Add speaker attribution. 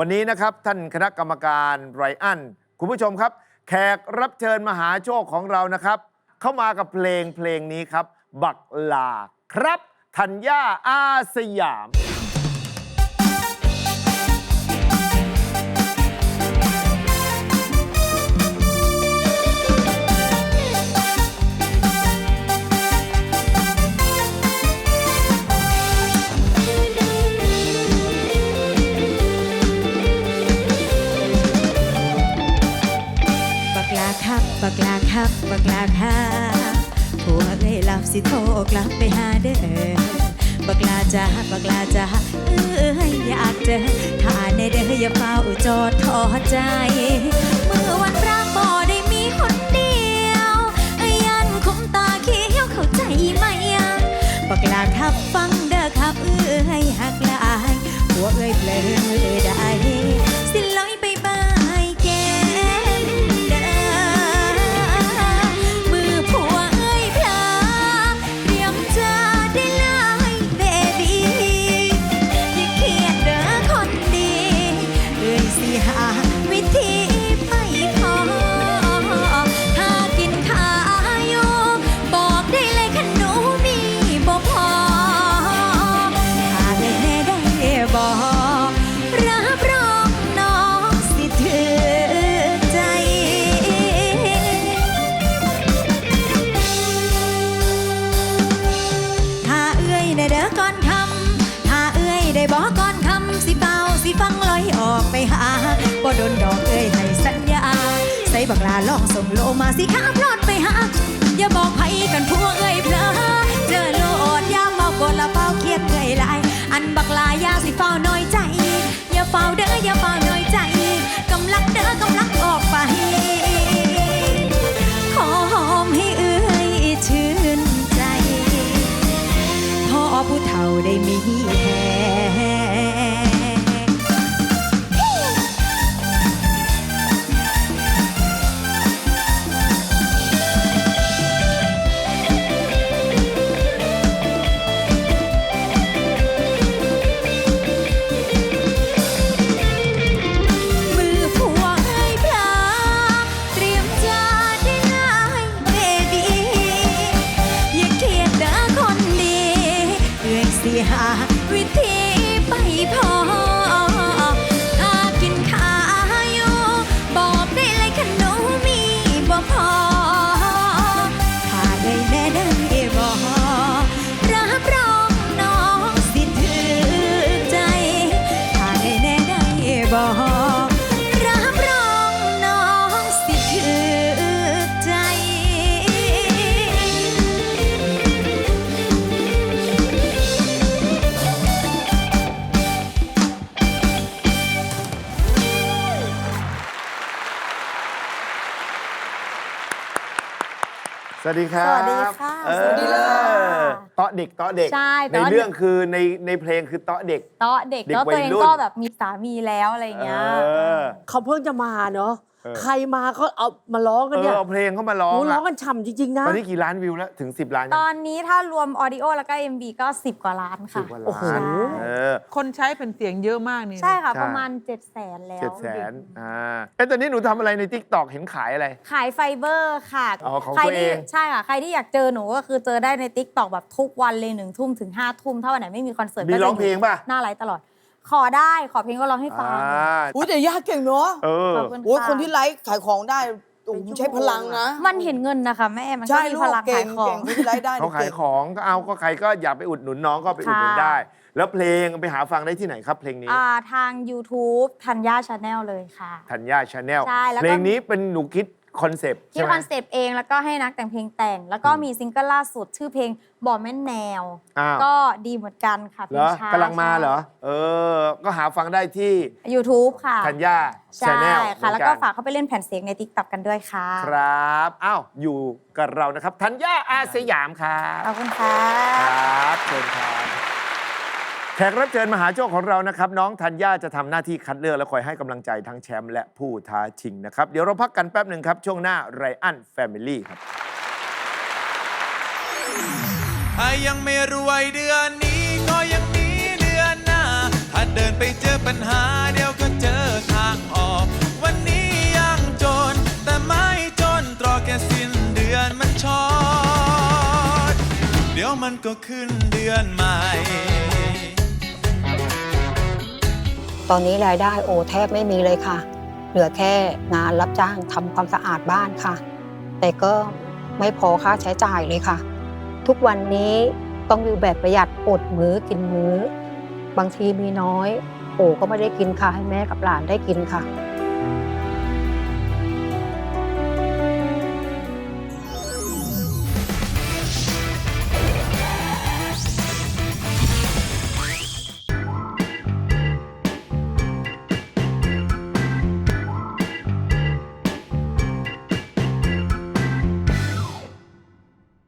Speaker 1: วันนี้นะครับท่านคณะกรรมการไรอันคุณผู้ชมครับแขกรับเชิญมหาโชคของเรานะครับเข้ามากับเพลงนี้ครับบักลาครับธัญญาอาสยาม
Speaker 2: บักลาครับบักลาครับผัวเอ้ยหลับสิโทรกลับไปหาเด้อบักลาจ้าบักลาจ้าอยากเจอถ้าในเด้ออย่าเฝ้าจอดทอใจเมื่อวันรักบ่ได้มีคนเดียวยันคุ้มตาเขียวเข้าใจไหมบักลาครับฟังเด้อครับหักลายผัวเอ้ยเพลินได้สิลอยไปบ้ายแก้มเด้อมือผัวเอ้ยพลาเตรียมจะได้ลายเบบี้อย่าเครียดเด้อคนดีเอ้ยสิหาวิธีไปขอถ้ากินข้าวอยู่บอกได้เลยขนมมีบ่พอถ้าได้แน่ได้บอกรับรองน้องสิถือใจถ้าเอ้ยได้เด้อก่อนคำถ้าเอ้ยได้บอกก่อนคำสิเบาสิฟังลอยออกไปหาบ่โดนดอกเอ้ยให้สัญญาใส่บักลาลองส่งโลมาสิข้าพลอดไปหาอย่าบอกไผกันพวกเอ้ยเพลอเจอโลดยามเมาโกรธละเฝ้าเครียดเอ้ยหลายอันบักลายาสิเฝ้าน้อยใจอย่าเฝ้าเด้ออย่าเฝ้าน้อยใจกำลังเด้อกำลังออกไปขอหอมให้เอ้ยชื่นใจพ่อผู้เฒ่าได้มีแฮมือผัวเอ้ยพลาเตรียมจะได้นายเบบี้อย่าเครียดเด้อคนดีเอ้ยสิหาวิธีไปพอถ้ากินข้าวอยู่บอกได้เลยขนมมีบ่พอถ้าได้แน่ได้บอกรับรองน้องสิถือใจถ้าได้แน่ได้บอกรับรองน้องสิถือใจ
Speaker 1: สวัสดีครับ
Speaker 3: สวัสดีค่ะ
Speaker 1: สวัสดีเลยเตาะเด็กเตาะเด็ก
Speaker 3: ใช่
Speaker 1: ในเรื่องคือในเพลงคือเตาะเด็ก
Speaker 3: เตาะเด็ก
Speaker 1: เด็ก
Speaker 3: แล้วตัวเอง
Speaker 1: วัยรุ่น
Speaker 3: ก็แบบมีสามีแล้วอะไรอย่างเงี้ย
Speaker 4: เขาเพิ่งจะมาเนาะ
Speaker 1: เออ
Speaker 4: ใครมาเขาเอามาร้องกันเนี่ย
Speaker 1: เอาเพลงเข้ามาร้อง
Speaker 4: โอ้ร้อง
Speaker 1: อะ
Speaker 4: กันฉ่ำจริง ๆ นะ
Speaker 1: ตอนนี้กี่ล้านวิวแล้วถึง10 ล้าน
Speaker 3: ตอนนี้ถ้ารวมออดิโอแล้วก็ MV ก็10 กว่าล้าน
Speaker 1: สิ
Speaker 3: ค่ะ
Speaker 1: บกว่า
Speaker 4: โอ้โห
Speaker 1: ล้าน
Speaker 5: คนใช้เป็นเสียงเยอะมากนี่
Speaker 3: ใช่ค่ะ
Speaker 1: ใช่
Speaker 3: ประมาณ 700,000 แล้ว
Speaker 1: 700,000ตอนนี้หนูทำอะไรใน TikTok เห็นขายอะไร
Speaker 3: ขายไฟเบอร์ค่ะ
Speaker 1: อ๋อของ
Speaker 3: ใคร
Speaker 1: ตัวเอ
Speaker 3: ที่
Speaker 1: ง
Speaker 3: ใช่ค่ะ ใครที่อยากเจอหนูก็คือเจอได้ใน TikTok แบบทุกวันเลย1 ทุ่มถึง5 ทุ่มถ้าวันไหนไม่มีคอนเสิร์ต
Speaker 1: มี
Speaker 3: ก็จะ
Speaker 1: ร้องเพลงป่ะ
Speaker 3: หน้าไลฟ์ตลอด ขอได้ขอเพลงก็ร้องให้ฟัง
Speaker 6: อุ้ยแต่ยากเก่งเนาะ
Speaker 1: เออ
Speaker 3: ขอบคุณ
Speaker 6: โอ้ย
Speaker 3: ค่ะ
Speaker 6: คนที่ไลฟ์ขายของได้โอ้โหใช้พลังนะ
Speaker 3: มันเห็นเงินนะคะแม่มันก็
Speaker 6: ใช่
Speaker 3: มี
Speaker 6: ลู
Speaker 3: พ
Speaker 6: ก
Speaker 3: ลัง
Speaker 6: เก่
Speaker 3: ขาง ยขอ
Speaker 6: เก่
Speaker 3: ง
Speaker 6: งคนที่ไลฟ์ได้
Speaker 1: เขาขาย
Speaker 6: ก่ง
Speaker 1: ของก็เอาก็ใครก็อยากไปอุดหนุนน้องก็ไปอุดหนุน
Speaker 3: ค่ะ
Speaker 1: ได้ แล้วเพลงไปหาฟังได้ที่ไหนครับเพลงนี้
Speaker 3: ทาง YouTube ธัญญาชาแนลเลยค่ะ
Speaker 1: ธัญญาชาแนล
Speaker 3: ใช่แล้วก็
Speaker 1: เพลงนี้เป็นหนูคิดคอนเซปต์
Speaker 3: คิ
Speaker 1: ใช่
Speaker 3: ด
Speaker 1: ไหม
Speaker 3: คอนเซปต์เองแล้วก็ให้นักแต่งเพลงแต่ง แล้วก็มีซิงเกิลล่าสุดชื่อเพลงบ่แม่นแนว
Speaker 1: อ้าว
Speaker 3: ก็ดีเหมือนกันค่ะเพ
Speaker 1: เห
Speaker 3: ล
Speaker 1: รง อ
Speaker 3: ช้าก
Speaker 1: ำลังมาเหรอ ก็หาฟังได้ที่
Speaker 3: YouTube ค่ะ
Speaker 1: ธัญญาชา
Speaker 3: ใช่
Speaker 1: แนล
Speaker 3: ค่ะ แล้วก็ฝากเข้าไปเล่นแผ่นเสียงใน TikTok กันด้วยค่ะ
Speaker 1: ครับอ้าวอยู่กับเรานะครับธัญญาอาสยามครับ
Speaker 3: ขอบคุณค่ะ
Speaker 1: ครับเชิญครับแขกรับเชิญมหาโชคของเรานะครับ น้องธัญญาจะทำหน้าที่คัดเลือกและคอยให้กำลังใจทั้งแชมป์และผู้ท้าชิงนะครับ เดี๋ยวเราพักกันแป๊บหนึ่งครับ ช่วงหน้าไรอันแฟมิลี่ครับ
Speaker 7: ถ้ายังไม่รวยเดือนนี้ก็ยังมีเดือนหน้า ถ้าเดินไปเจอปัญหาเดี๋ยวก็เจอยวมันก็ขึ้นเดือนใหม่
Speaker 8: ตอนนี้รายได้โอแทบไม่มีเลยค่ะ เหลือแค่งานรับจ้างทำความสะอาดบ้านค่ะ แต่ก็ไม่พอค่าใช้จ่ายเลยค่ะ ทุกวันนี้ต้องอยู่แบบประหยัดอดมื้อกินมื้อ บางทีมีน้อยโอก็ไม่ได้กินค่ะให้แม่กับหลานได้กินค่ะ